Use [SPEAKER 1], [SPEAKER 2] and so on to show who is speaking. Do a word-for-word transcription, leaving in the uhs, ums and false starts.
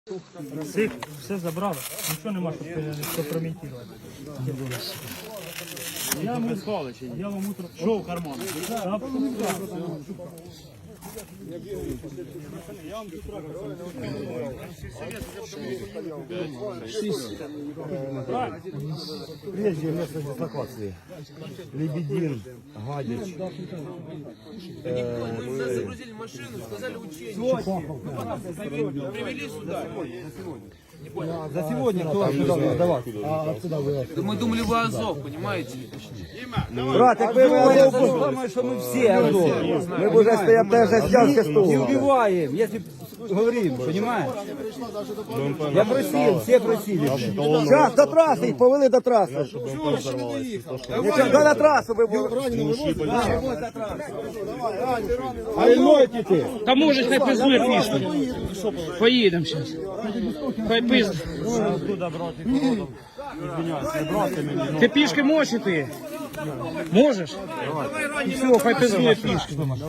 [SPEAKER 1] Всіх, все забрали, нічого нема, щоб компрометувати. Я вам я вам утро... Що в карман?
[SPEAKER 2] Прежде место дислокации. Лебедин, Гадич.
[SPEAKER 3] Нас загрузили в машину, сказали учение. Привели сюда.
[SPEAKER 2] За сегодня кто отсюда давал? А отсюда вы?
[SPEAKER 3] Да мы думали, вы Азов, понимаете?
[SPEAKER 2] Брат, як ви Азов, думаєш, що ми всі Азов. Ми б уже стоять даже стянки стол. Не убиваем, если говорим, понимаешь? Я просил, все просили. Сейчас до трассы, их повели до трассы. Нічого, до трасу ви були. А і нойте ти.
[SPEAKER 4] Та може хай пиздує пішки. Поїдемо зараз. Хай пизд. Ти пішки можеш іти? Можеш? Все, хай пиздує пішки.